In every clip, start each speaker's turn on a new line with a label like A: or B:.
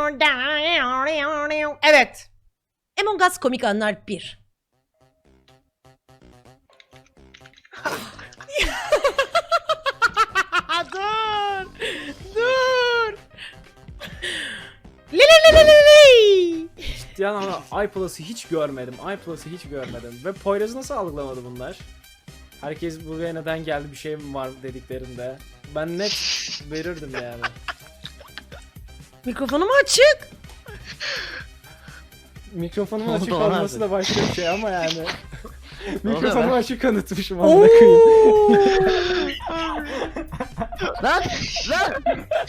A: Evet. Among Us komik anlar 1. Dur. Dur. Li.
B: Yani ama iPlus'ı hiç görmedim. iPlus'ı hiç görmedim. Ve Poyraz'ı nasıl algılamadı bunlar? Herkes buraya neden geldi, bir şey mi var dediklerinde. Ben net verirdim yani.
A: Mikrofonum açık.
B: Mikrofonun
C: Oldu
B: açık
C: lan
B: olması
C: abi.
B: da başka bir şey ama yani.
C: Oluyor
B: Mikrofonu
C: lan.
B: açık kanıtmışım amına koyayım.
C: Lan! Lan!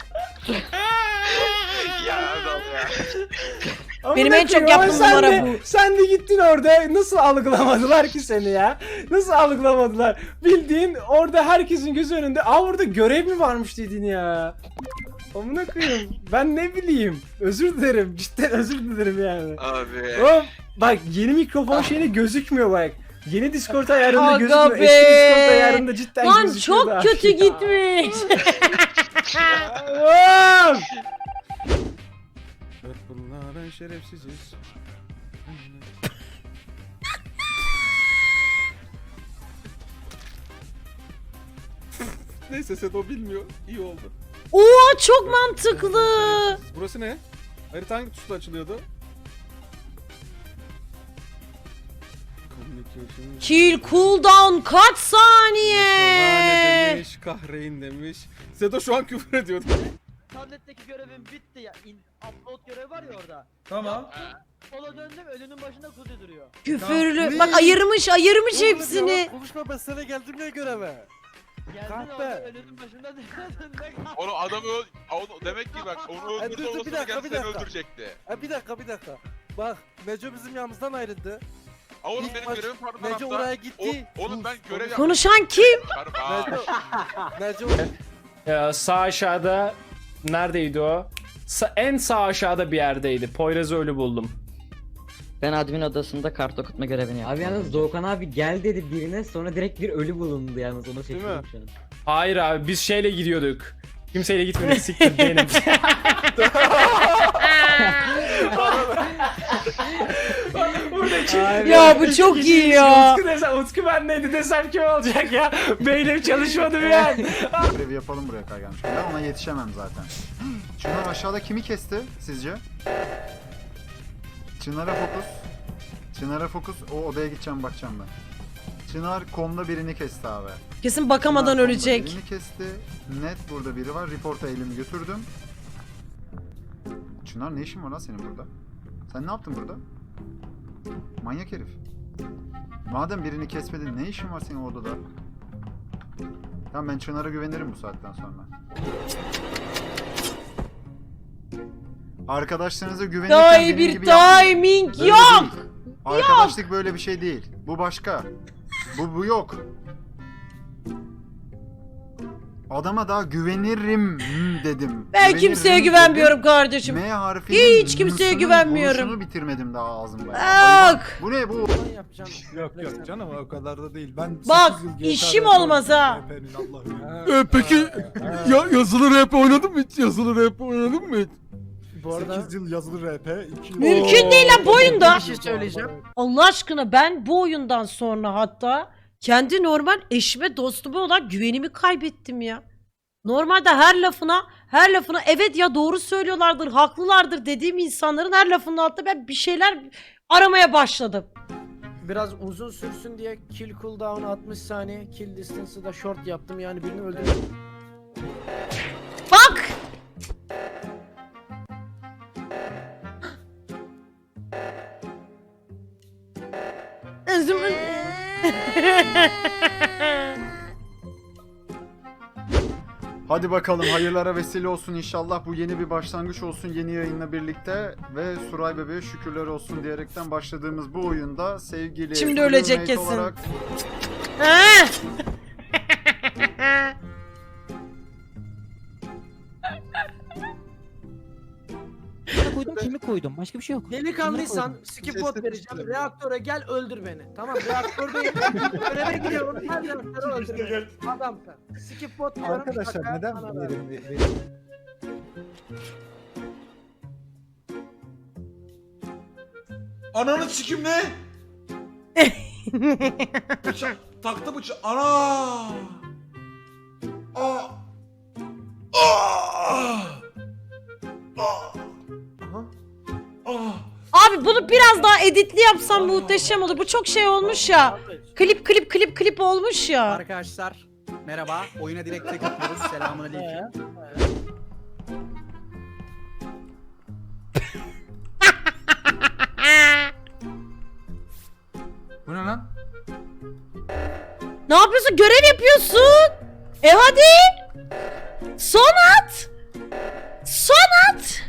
A: Benim en çok
B: Amına koyayım,
A: yaptığım
B: ama
A: numara
B: sen de-
A: bu.
B: Sen de gittin orada, nasıl algılamadılar ki seni ya? Nasıl algılamadılar? Bildiğin orada herkesin gözü önünde. Aa, orada görev mi varmış dedin ya? Amına koyayım. Ben ne bileyim. Özür dilerim. Cidden özür dilerim yani.
D: Abi.
B: Oğlum bak, yeni mikrofon şeyine gözükmüyor bak. Yeni Discord ayarında
A: Aga
B: gözükmüyor.
A: be.
B: Eski Discord ayarında cidden
A: Lan
B: gözüküyor da.
A: çok kötü gitmiş.
B: Oğlum!
E: Evet bunlar şerefsiziz. Neyse Sedo bilmiyor. İyi oldu.
A: Oo çok mantıklı.
E: Burası ne? Harita hangi tuşla açılıyordu? Communication.
A: Kill cooldown kaç saniye?
E: Şahane demiş, kahreyn demiş. Sedo şu an küfür ediyordu.
C: Tabletteki görevim bitti ya. Upload görevi var ya orada.
F: Tamam.
C: Sola döndüm önünün başında kuzu duruyor.
A: Küfürlü. Bak ayırmış hepsini.
G: Konuşma, ben sana geldim ya göreve.
C: Geldin
G: Kahpe.
C: orada önünün başında döndüm.
D: Onu adamı onu demek ki bak onu
G: Ay,
D: öldürdü
G: dur, bir
D: olmasına
G: dakika,
D: gelse
G: bir
D: seni
G: dakika.
D: öldürecekti.
G: Bir dakika. Bak Neco bizim yanımızdan ayrıldı.
D: Aa, oğlum
G: İlk
D: benim
G: baş-
D: görevim pardon
G: Neco
D: tarafta.
G: oraya gitti.
D: Oğlum ben görev yaptım.
A: Konuşan kim?
G: Neco
B: Sağ aşağıda neredeydi o? En sağ aşağıda bir yerdeydi. Poyraz'ı ölü buldum.
C: Ben admin odasında kart okutma görevini yaptım.
H: Abi yalnız Doğukan abi gel dedi birine, sonra direkt bir ölü bulundu yalnız, ona şaşırdım
G: mi?
H: şu an.
B: Hayır abi, biz şeyle gidiyorduk. Kimseyle gitmedik, siktir benim.
A: Ya bu çok iyi ya.
B: Utku bendeydi desem kim olacak ya? Beynim çalışmadı bir an.
I: Görevi yapalım buraya kadar gelmiş. Ben ona yetişemem zaten. Çınar aşağıda kimi kesti sizce? Çınar'a fokus. Çınar'a fokus. O odaya gideceğim, bakacağım ben. Çınar komda birini kesti abi.
A: Kesin bakamadan
I: Çınar komda
A: ölecek.
I: birini kesti. Net burada biri var. Report'a elimi götürdüm. Çınar ne işin var lan senin burada? Sen ne yaptın burada? Manyak herif. Madem birini kesmedin, ne işin var senin odada? Tamam, ben Çınar'a güvenirim bu saatten sonra. Arkadaşlarınıza güvenirken
A: Daha
I: benim
A: iyi bir
I: gibi yapmayın.
A: timing
I: Böyle
A: yok.
I: değil. Arkadaşlık böyle bir şey değil. Bu başka. Bu yok. Adama daha güvenirim dedim.
A: Ben kimseye
I: Güvenirim
A: güvenmiyorum
I: dedim.
A: kardeşim.
I: M harfinin
A: Hiç kimseye
I: M'sinin
A: güvenmiyorum.
I: vuruşunu bitirmedim daha ağzımda. ya.
A: Bak.
I: Hayvan. Bu ne bu?
G: Yok canım, o kadar da değil. Ben
A: Bak işim olmaz ha.
E: Peki yazılı rap oynadın mı hiç? Yazılı rap oynadın mı hiç?
G: Bu arada
E: 8 yıl yazılı rap, 2 yıl...
A: Mümkün değil lan bu oyunda.
G: bir şey söyleyeceğim.
A: Allah aşkına ben bu oyundan sonra hatta kendi normal eşime dostuma olan güvenimi kaybettim ya. Normalde her lafına evet ya doğru söylüyorlardır, haklılardır dediğim insanların her lafının altında ben bir şeyler aramaya başladım.
F: Biraz uzun sürsün diye kill cooldown 60 saniye, kill distance'ı da short yaptım, yani birini öldürdüm.
A: Bak!
I: Hadi bakalım, hayırlara vesile olsun inşallah. Bu yeni bir başlangıç olsun yeni yayınla birlikte ve Suray Bebe'ye şükürler olsun diyerekten başladığımız bu oyunda sevgili
A: Şimdi ölecek
I: roommate
A: kesin.
I: olarak
A: Ha!
C: koydum, kimi koydum? Başka bir şey yok.
F: Delikanlıysan skip bot vereceğim, reaktöre gel öldür beni. Tamam, reaktördeyim. Göreve gidiyorum, gel reaktöre öldür beni. Adamsın. Skip bot diyorum.
G: Arkadaşlar
F: Bak,
G: neden
F: bana ver.
G: verim
J: Ananı sikim ne? Bıçak taktı bıçak. Ana! Aa! Aa! Aa! Aa!
A: Abi bunu biraz daha editli yapsam muhteşem olur. Bu çok şey olmuş ya. Klip olmuş ya.
C: Arkadaşlar merhaba. Oyuna direkt tek atıyoruz. Selamünaleyküm.
J: Bu ne lan?
A: Ne yapıyorsun? Görev yapıyorsun. Hadi. Son at. Son at.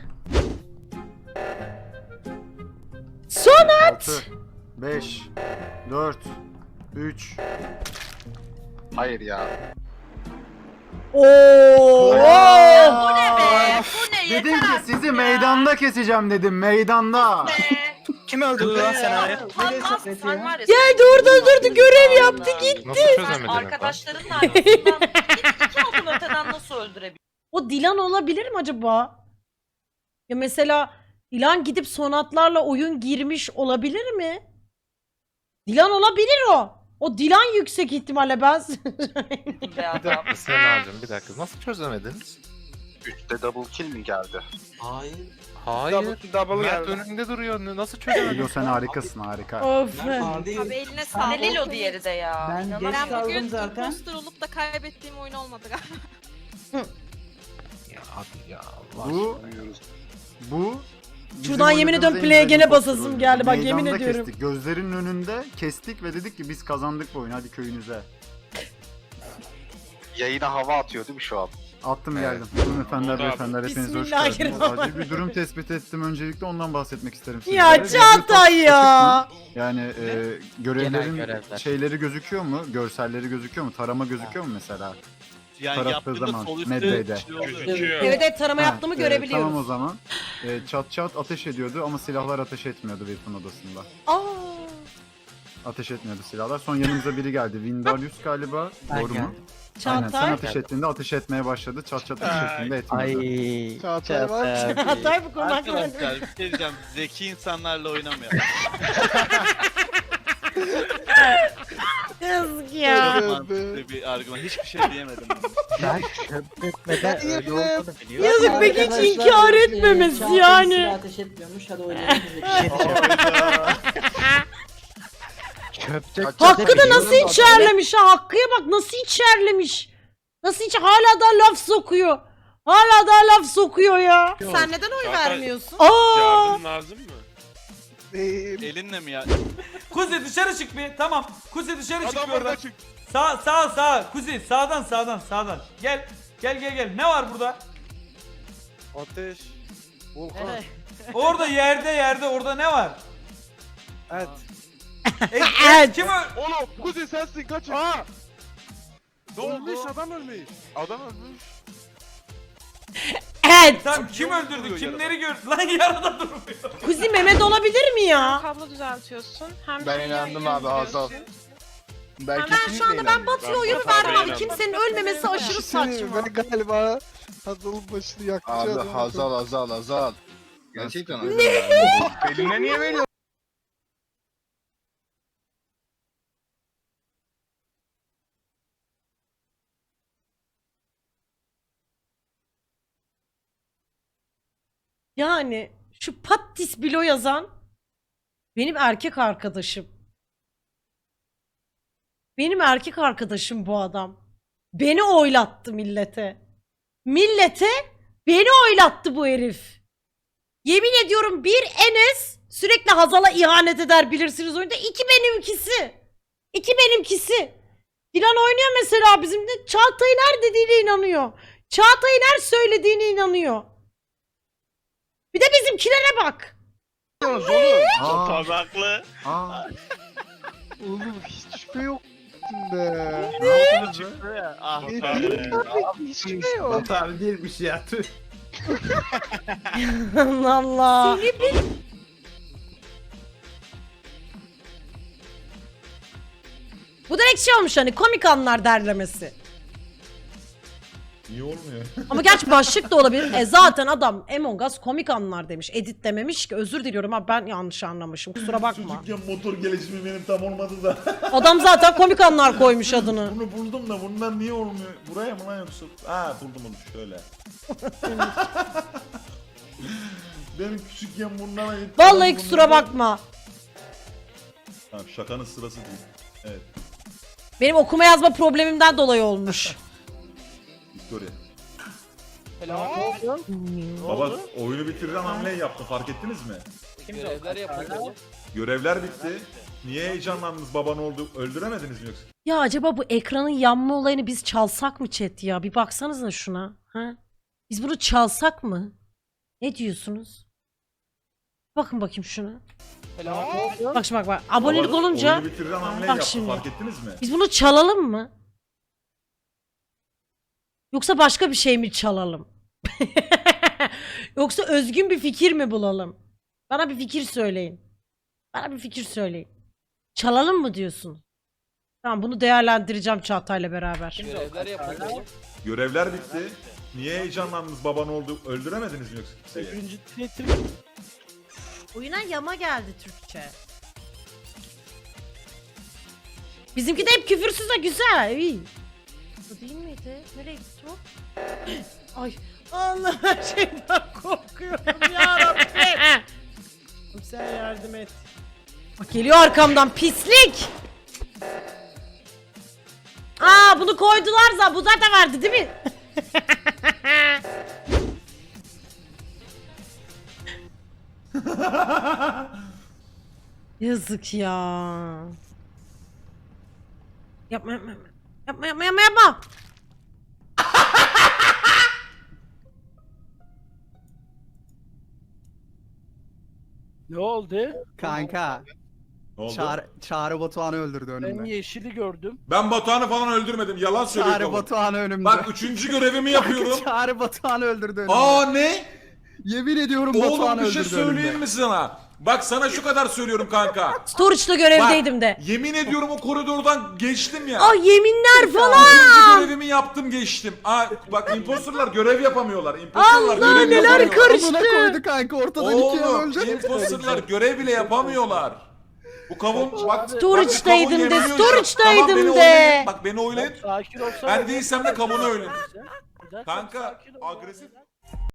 A: Son at.
I: 6, 5, 4, 3.
D: Hayır ya.
A: Oo.
I: Bu ne be? Dedim ki sizi meydanda keseceğim dedim. Meydanda.
C: Kim öldürdü lan senaryo?
K: Sen var ya.
A: Geldi orada durdu görev yaptı gitti.
K: Sen arkadaşlarının arasından iki adım öteden nasıl öldürebilirsin?
A: O Dilan olabilir mi acaba? Ya mesela Dilan gidip sonatlarla oyun girmiş olabilir mi? Dilan olabilir o. O Dilan yüksek ihtimalle ben.
K: Be adam.
D: Senaryo'm bir dakika nasıl çözemediniz? 3'te double kill mi geldi?
G: Hayır.
D: Hayır.
G: Double
D: Mert
G: geldi.
D: önünde duruyor. Nasıl çözemedin?
I: Lilo sen harikasın harika.
A: Of.
K: Abi eline sağlık. Ne Lilo diğeri de ya.
F: Ben bugün
K: imposter olup da kaybettiğim oyun olmadı galiba.
D: Ya abi ya.
I: Bu bizim
A: Şuradan yemin ediyorum
I: oynadığımız
A: play'e
I: en
A: gene
I: iyi
A: basasım
I: oyundu.
A: geldi, bak yemin
I: Meydanda
A: ediyorum.
I: Kestik. Gözlerinin önünde kestik ve dedik ki biz kazandık bu oyunu, hadi köyünüze.
D: Yayına hava atıyor değil mi şu an?
I: Attım
D: Evet.
I: geldim. Hanımefendiler, beyefendiler hepiniz hoş geldiniz.
A: Bismillahirrahmanirrahim.
I: Acil bir durum tespit ettim. Öncelikle ondan bahsetmek isterim size.
A: Ya Çağatay ya.
I: Yani görevlerin
C: görevler.
I: şeyleri gözüküyor mu? Görselleri gözüküyor mu? Tarama gözüküyor mu mesela?
J: Yani
I: Tarattığı
J: yaptığında
I: zaman
J: sol
I: Medbay'de.
J: gözüküyor.
A: Evet tarama yaptığımı görebiliyoruz.
I: Tamam o zaman. Çat çat ateş ediyordu ama silahlar ateş etmiyordu weapon odasında.
A: Aa.
I: Ateş etmiyordu silahlar. Son yanımıza biri geldi. Windarius galiba. Doğru mu? Aynen. Sen
A: Çağatay.
I: ateş ettiğinde ateş etmeye başladı. Çat çat ateş ettiğinde etmiyordu.
C: Çağatay var.
A: Çağatay bu konu hakkında.
J: Arkadaşlar bir şey diyeceğim. Zeki insanlarla oynamayalım.
A: Yazık ya.
J: Mantıklı bir argüman. Hiçbir şey diyemedim.
H: Ben çöpletmeden öyle olduğunu biliyorum.
A: Yazık peki hiç inkar etmemesi yani.
F: Ateş etmiyormuş. Hadi oynayalım.
H: Çöpte
A: Hakkı da nasıl içerlemiş ha? Hakkı'ya bak nasıl içerlemiş. Nasıl hala da laf sokuyor. Hala da laf sokuyor ya. Sen neden oy vermiyorsun? Aa!
D: lazım mı?
J: Elinle mi ya?
G: Kuzi dışarı çık bir. Tamam. Kuzi dışarı çık
D: Adam
G: bir oradan.
D: orada çık.
G: Sağ. Kuzi sağdan. Gel. Ne var burada?
C: Ateş. Volkan.
G: Orada yerde orada ne var?
C: Evet.
A: Evet.
G: Kim o?
D: Oğlum Kuzey sensin kaçın.
C: Aa!
D: Ne oldu?
C: Ölmüş adam ölmüş.
D: Adam ölmüş.
A: Evet.
G: Tamam kim öldürdü? Kimleri gördü? Lan yarada durmuyor.
A: Kuzi Mehmet olabilir mi ya?
K: Kablo düzeltiyorsun. Hem
D: Ben inandım abi Hazal.
A: Ben şu anda ben Batı'ya oyunu verdim abi. Kimsenin ölmemesi aşırı saçma.
C: Galiba Hazal'ın başını yakacağım.
D: Abi Hazal. Gerçekten öyle. Eline niye veriyorsun?
A: Yani şu Pattis Bilo yazan benim erkek arkadaşım. Benim erkek arkadaşım bu adam. Beni oylattı millete. Millete beni oylattı bu herif. Yemin ediyorum bir Enes sürekli Hazal'a ihanet eder bilirsiniz oyunda. İki benimkisi. Dilan oynuyor mesela bizimle. Çağatay'ın her dediğine inanıyor. Çağatay'ın her söylediğine inanıyor. Bir de bizimkilere bak.
I: Aa,
D: haklı.
I: aa.
C: Oğlum hiç şüphe yok içinde.
I: Ne yaptınız be?
C: Hiç şüphe yok.
J: Abi değilmiş ya.
A: Allah Allah. Bu direkt şey olmuş hani komik anlar derlemesi.
E: İyi olmuyor.
A: Ama gerçi başlık da olabilir. Zaten adam Among Us komik anlar demiş. Edit dememiş ki. Özür diliyorum abi, ben yanlış anlamışım. Kusura bakma.
E: Çocukken motor gelişimi benim tam olmadı da.
A: Adam zaten komik anlar koymuş adını.
E: Bunu buldum da bundan niye olmuyor? Buraya mı lan yoksa? Ha buldum onu şöyle. Benim küçükken bundan ait.
A: Vallahi kusura bakma.
E: Tamam, şakanın sırası değil. Evet.
A: Benim okuma yazma problemimden dolayı olmuş.
E: Victoria.
F: Helal.
E: Baba oyunu bitiren hamleyi yaptı, fark ettiniz mi?
C: Görevler yapıldı.
E: Görevler bitti. Niye heyecanlandınız, baban oldu? Öldüremediniz mi yoksa?
A: Ya acaba bu ekranın yanma olayını biz çalsak mı chat ya? Bir baksanıza şuna. Ha? Biz bunu çalsak mı? Ne diyorsunuz? Bakın bakayım şuna.
F: Helal.
A: Bak şimdi bak. Abonelik
E: Baba,
A: olunca
E: oyunu bitiren hamleyi
A: bak
E: yaptı,
A: şimdi.
E: fark ettiniz mi?
A: Biz bunu çalalım mı? Yoksa başka bir şey mi çalalım? Yoksa özgün bir fikir mi bulalım? Bana bir fikir söyleyin. Bana bir fikir söyleyin. Çalalım mı diyorsun? Tamam, bunu değerlendireceğim Çağatay'la beraber.
C: Görevler yapıldı.
E: Görevler bitti. Niye heyecanlandınız, baban oldu? Öldüremediniz mi yoksa kimseyi?
A: Oyuna yama geldi Türkçe. Bizimki de hep küfürsüz de güzel. İyi. Bu değil miydi? Nereye gitti o? Ay Allah, her şeyden korkuyorum yarabbim. Sen yardım et. Bak geliyor arkamdan pislik. Aa, bunu koydular zaten. Bu zaten vardı değil mi? Yazık ya. Yapma yapma yapma. Yapma yapma yapma yapma.
G: Ne oldu?
F: Kanka.
E: Ne oldu?
F: Çağrı Batuhan'ı öldürdü
G: Ben yeşili gördüm.
E: Ben Batuhan'ı falan öldürmedim. Yalan söylüyor kavun.
F: Batuhan'ı önümde.
E: Bak 3. görevimi yapıyorum.
F: Çağrı Batuhan'ı öldürdü önümde.
E: Aa ne?
F: Yemin ediyorum
E: Oğlum
F: Batuhan'ı
E: bir şey
F: öldürdü
E: söyleyeyim
F: önümde.
E: mi sana? Bak sana şu kadar söylüyorum kanka.
A: Storage'da görevdeydim de.
E: Yemin ediyorum o koridordan geçtim ya.
A: Ay yeminler
E: 3.
A: falan.
E: görevimi yaptım geçtim. Aa bak imposterlar görev yapamıyorlar. Imposterlar
A: Allah,
E: görev
A: neler
E: yapamıyorlar.
A: karıştı.
F: Amına koydu kanka ortadan ikiye
E: Oğlum
F: bölecek.
E: imposterlar görev bile yapamıyorlar. Bu kavun bak.
A: Storage'daydım
E: bak,
A: de,
E: kavun yemiyor şu an. Tamam,
A: storage'daydım
E: beni
A: de.
E: oylayın. Bak beni oylayın.
G: Sakin olsana.
E: Ben değilsem de kavunu oylayın.
G: Neden?
E: Kanka
G: Sakin ol.
E: agresif